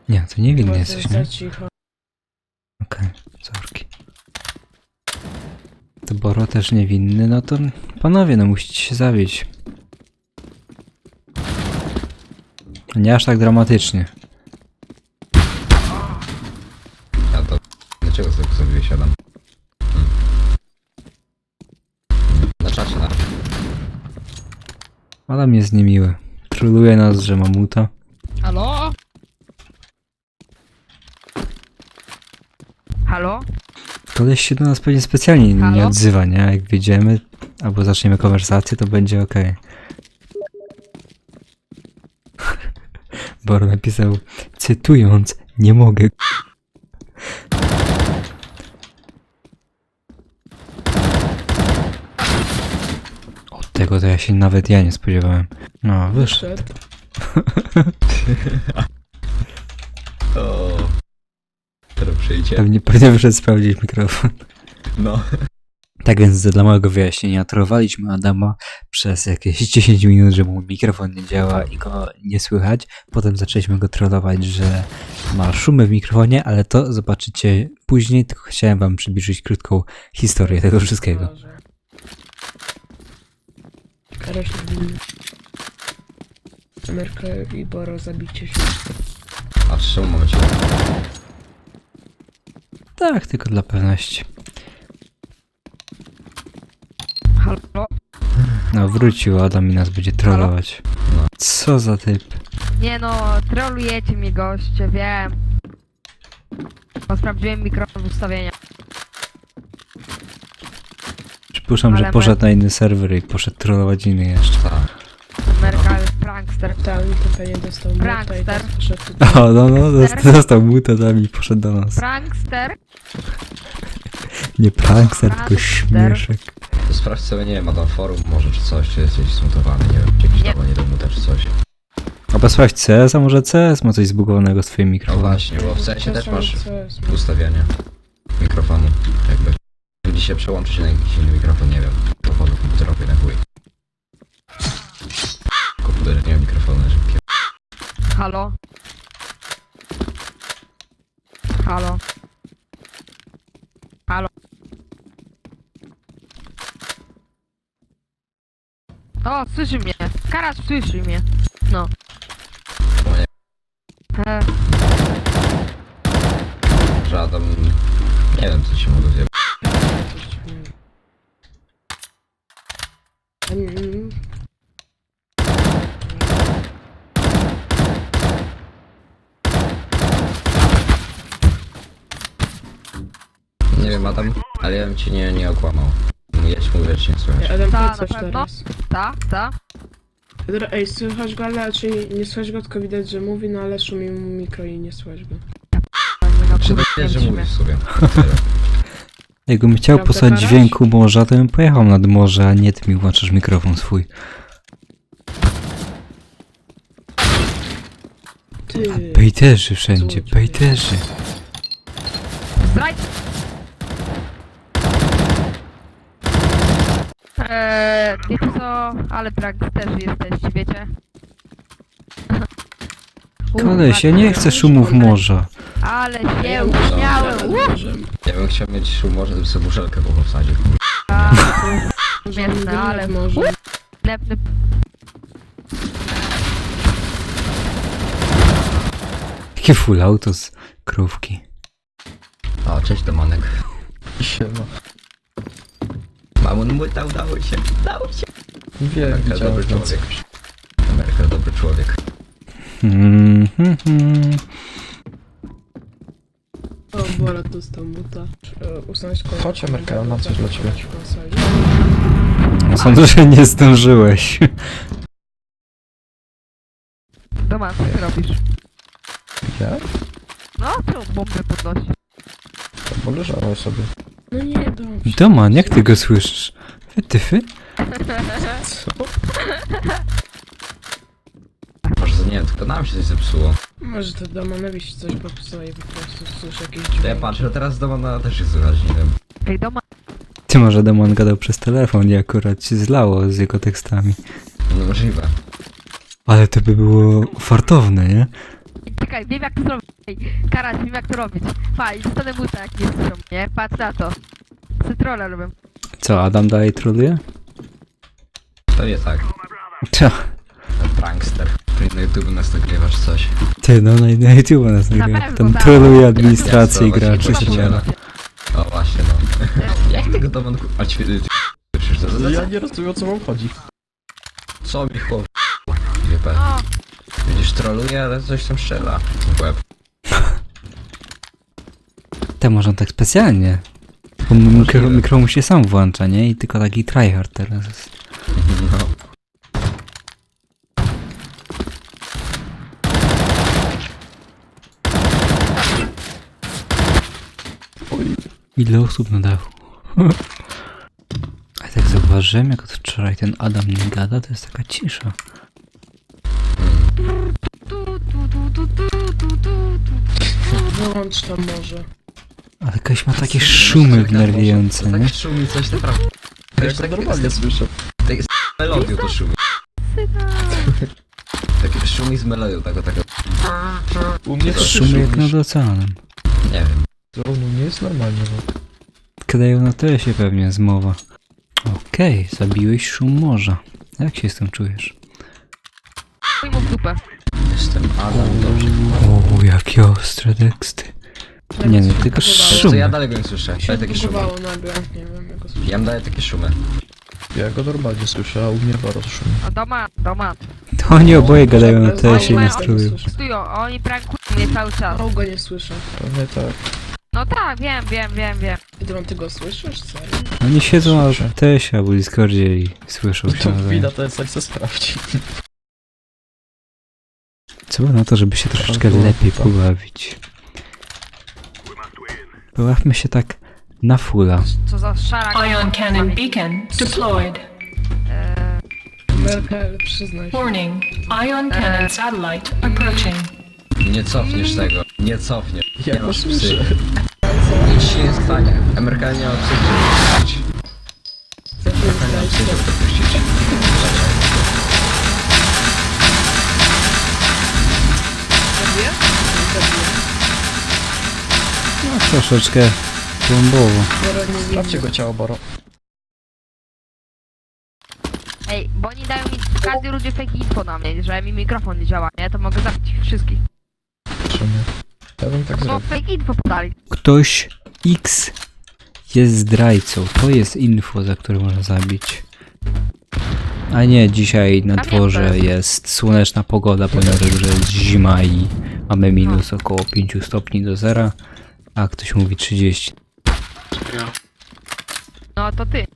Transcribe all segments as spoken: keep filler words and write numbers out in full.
Nie, to niewinny Bo to jesteś, jest nie? za cicho. Okej, okay, sorki. To Boro też niewinny, no to panowie, no musicie się zabić. Nie aż tak dramatycznie. Ja to... Dlaczego sobie sobie wysiadam? Hmm. Na czacie, na... Adam jest niemiły. Troluje nas, że mamuta. Halo? Halo? Koleś się do nas pewnie specjalnie nie Halo? odzywa, nie? Jak wyjdziemy, albo zaczniemy konwersację, to będzie okej. Boro napisał, cytując, nie mogę. Od tego to ja się nawet ja nie spodziewałem. No, wyszedł. Wyszedł. O. Teraz przyjdzie. Pewnie, pewnie wyszedł sprawdzić mikrofon. No. Tak więc dla małego wyjaśnienia, trollowaliśmy Adama przez jakieś dziesięć minut, że mu mikrofon nie działa i go nie słychać. Potem zaczęliśmy go trollować, że ma szumy w mikrofonie, ale to zobaczycie później, tylko chciałem wam przybliżyć krótką historię tego wszystkiego. Kara się winny. Amerka i Boro, zabicie się. A w czym momencie? Tak, tylko dla pewności. Halo? No, wrócił Adam i nas będzie trollować. No. Co za typ. Nie no, trolujecie mnie goście, wiem. Bo sprawdziłem mikrofon ustawienia. Przypuszczam, że Ale poszedł na inny serwer i poszedł trollować inny jeszcze. Tak. Ameryka jest prankster. Tam to pewnie dostał młota i Prankster. teraz poszedł tutaj. O, no, no, dost- dostał muta tam i poszedł do nas. Prankster? Nie prankster, tylko Prankster. śmieszek. To sprawdź sobie, nie wiem, ma tam forum może czy coś, czy jesteś smutowany, nie wiem, czy jakiś Nie. tam nie domuta czy coś. A sprawdź C S, a może C S ma coś zbugowanego z twoim No mikrofonem. właśnie, bo w sensie też Czasami masz co jest? ustawianie mikrofonu, jakby. Gdy się przełączy się na jakiś inny mikrofon, nie wiem, mikrofonu komputerowy na chuj. Komputer nie ma mikrofonu na szybkie. Halo? Halo? Halo? O, słyszy mnie. Karasz słyszy mnie. No. O nie, E, że Adam... Nie wiem, co się mogło zjeść. Coś dziwnego. Mm, Nie wiem, Adam, ale ja bym cię nie, nie okłamał. Ja ci mówię, że cię nie słychać. Adam, Ta, powiedz coś na pewno? teraz. ta, ta. Dobra, ej, słychać go, ale raczej nie słychać go, tylko widać, że mówi, no ale szumi mu mikro i nie słychać go. Czy to jest, że mówisz sobie? Tyle. Jakbym chciał Prawda, posłać Karaś? dźwięku morza, to bym pojechał nad morze, a nie ty mi włączasz mikrofon swój. Ty. Bejterzy wszędzie, Złodziej. bejterzy. Zdraj... Eee, wiecie co? Ale pranksterzy jesteście, wiecie? Koleś, ja nie chcę szumów morza. Ale Ja się muszę uśmiałem. nad Uuu, morzem. Ja bym chciał mieć szum, może bym sobie muszelkę po wsadził. Śmieszne, Nad ale... morzem. Lepny... Jakie full auto z krówki. O, cześć Domanek. Siema. Mamon młyta, udało się, udało się. Wiem, Ameryka dobry widziałem. człowiek. Ameryka dobry człowiek. Hmm, hmm, hmm. O, Bora dostał muta. E, Usunąć kolor. Chodź, Amerka, ja mam coś dla ciebie. Sądzę, że nie zdążyłeś. Doma, co ty robisz? Ja? No, czemu bombę podnosisz? Bo leżałem sobie. No nie, dobrze. Doman, jak ty go słyszysz? Wytyfy? Co? Może nie wiem, tylko nam się coś zepsuło. Może to Domanowi się coś popsuło i po prostu słyszę jakieś To ja dźwięki. patrzę, teraz Domana też jest słychać, nie wiem. Ej, doma... Ty może Doman gadał przez telefon i akurat się zlało z jego tekstami. No możliwe. Ale to by było fartowne, nie? czekaj, wiem jak to zrobić. Ej, Karaś, wiem jak to robić. Faj, dostanę buta jak nie słyszą, nie? Patrz na to. Cytrole robię. Co, Adam dalej troluje? To nie tak. Co? Ten prankster. Ty na YouTube nas nagrywasz coś. Ty, no na, na YouTube nas nagrywa. pewno, Tam tak. troluje administrację i Ja graczy. spróbować się nie ma. O właśnie no. Jak tego to ku... A ćwi... ty- Słyszysz to? No ja nie rozumiem, o co wam chodzi. Co mi chłop... G P. No, Widzisz, troluje, ale coś tam strzela. W łeb. Te może on tak specjalnie. Bo mikro, mikro mu się sam włącza, nie? I tylko taki tryhard teraz jest. No. Ile osób na dachu? A tak zauważyłem, jak od wczoraj ten Adam nie gada, to jest taka cisza. tu, tu, tu, tu, tu, tu, tu, tu. Wyłącz to może. Ale jakoś ma takie szumy wnerwiające, nie? Tak szumi coś naprawdę. To Ja jest to tak normalnie słyszę. melodią to szumi. Takie szumi z melodią, tego, tego. U mnie to Szumy jak nad szumisz. oceanem. Nie wiem. To u mnie jest normalnie, no. Kadają na tyle się pewnie zmowa. Okej, zabiłeś szum morza. Jak się z tym czujesz? Chuj mu w dupę. Jestem Adam, dobrze. O, jakie ostre teksty. Nie no, tylko To szumy. ja dalej go nie słyszę. Się Daję takie szumy. zbugowało nagle, nie wiem jak go słyszę. Ja mu daję takie szumy. Ja go normalnie słyszę, a u mnie bardzo szumi. A doma, doma. To oni oboje gadają na tyle Oni się mają- nie strują. Stują, oni prankują mnie cały czas. O, go nie słyszę. Pewnie tak. No tak, wiem, wiem, wiem, wiem. Idron, ty go słyszysz? Serio? Oni siedzą na Słyszę. tesie albo Discordzie i słyszą się To nawzajem. wina to jest jak se sprawdzi. Co na to, żeby się troszeczkę Albo- lepiej tak. pobawić. Pobawmy się tak na fulla. Co za szara... Ion cannon beacon deployed. Eee, Merkel, przyznaj się. Warning. Ion cannon satellite approaching. Nie cofniesz tego. Nie cofniesz. Ja Nie go masz psy. słyszę. Nic się nie stanie. Amerykanie nie ma psy, żeby puścić. Za chwilę Nie ma psy, zdajcie. żeby to puścić. Zabiję? Zabiję. No troszeczkę głębowo. Bora nie Sprawdźcie widzę. go ciało, Boro. Ej, bo oni dają mi w każdej rundzie fake info na mnie, że mi mikrofon nie działa, nie? To mogę zabić ich wszystkich. Czy nie? Ja bym tak No zrobił. fake info podali. Ktoś X jest zdrajcą. To jest info, za które można zabić. A nie, dzisiaj na dworze jest słoneczna pogoda, ponieważ że jest zima i mamy minus około pięć stopni do zera, a ktoś mówi trzydzieści. No to ty.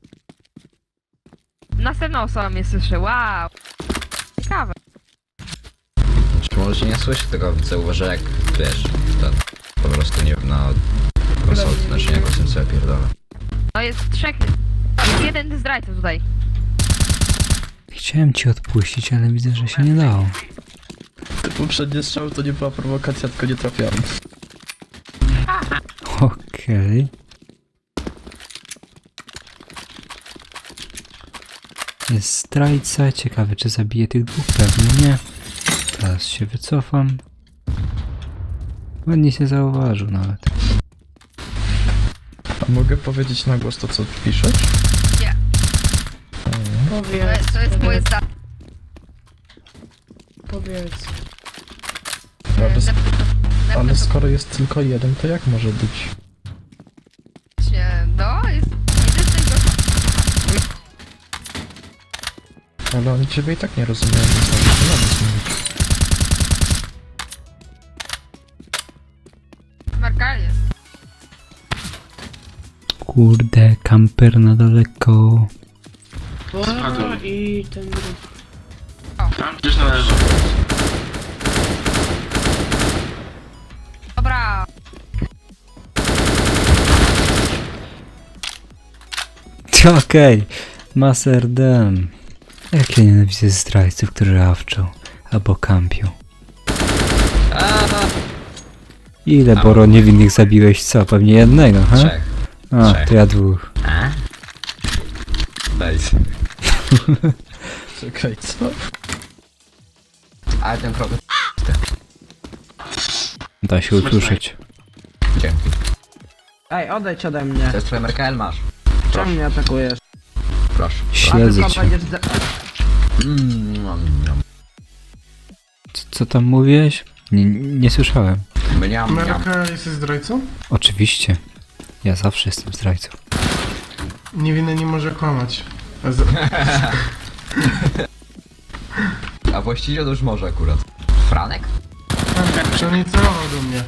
Następna osoba mnie słyszy, wow. Ciekawe. Czy może się nie słyszy tego, zauważę jak, wiesz, ten, po prostu nie wiem, na konsoli, znaczy nie głosem sobie pierdolę. No jest trzech... Jest jeden zdrajca tutaj. Chciałem ci odpuścić, ale widzę, że się nie dało. Te poprzednie strzały to nie była prowokacja, tylko nie trafiałem. Okej. Jest zdrajca, ciekawy czy zabije tych dwóch, pewnie nie. Teraz się wycofam. Ładnie się zauważył nawet. A mogę powiedzieć na głos to, co piszesz? Nie. Mm. To Powiedz. jest, to jest moje zdanie. Powiedz. Ale, s- ale skoro jest tylko jeden, to jak może być? No, jest... Jeden z tego... Ale oni ciebie i tak nie rozumieją, więc możesz to nawet zmienić. Merkalię. Kurde, kamper na daleko. O, i ten drugi. Dobra. Okej, Master Dem. Jak ja nienawidzę zdrajców, którzy rawczą albo kampią. Ile Boro niewinnych zabiłeś? Co? Pewnie jednego, ha? Trzech. A, Trzech. to ja dwóch. A? Daj. Czekaj, co? Ale ten problem... Da się usłyszeć. Dzięki. Ej, odejdź ode mnie. To jest twoja M R K L, masz. Czemu mnie atakujesz? Proszę. Śledzę A cię. ty będziesz za... Mm, nom, nom. Co, co tam mówiłeś? Nie, nie słyszałem. Mniam, mniam. Ameryka jesteś zdrajcą? Oczywiście. Ja zawsze jestem zdrajcą. Niewinny nie może kłamać. A z... A właściwie to już może akurat. Franek? Czy on nie celował do mnie?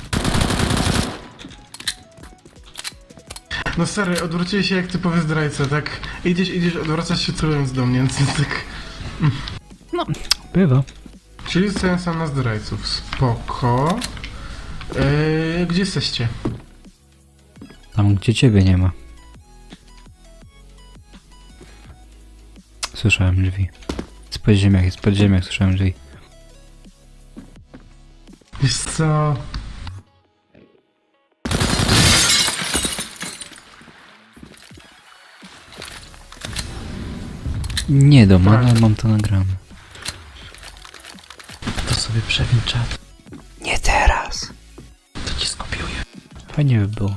No stary, odwróciłeś się jak typowy zdrajca, tak? Idziesz, idziesz, odwracasz się celując do mnie, więc tak... Bywa. Czyli zostałem sam na zdrajców. Spoko. Yy, gdzie jesteście? Tam, gdzie ciebie nie ma. Słyszałem drzwi. Z podziemiach, z podziemiach słyszałem drzwi. Wiesz co... Nie dom, ale mam to nagrane. To sobie przewin czat. Nie teraz. To ci skopiuję. Fajnie by było.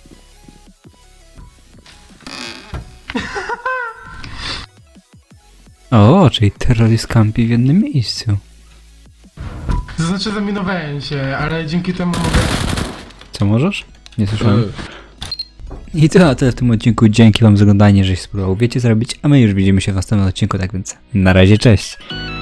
O, czyli terroryst kampi w jednym miejscu. To znaczy zaminowałem się, ale dzięki temu mogę... Co możesz? Nie słyszałem. I to na tyle w tym odcinku. Dzięki wam za oglądanie, żeś spróbował wiecie zrobić, a my już widzimy się w następnym odcinku, tak więc na razie, cześć!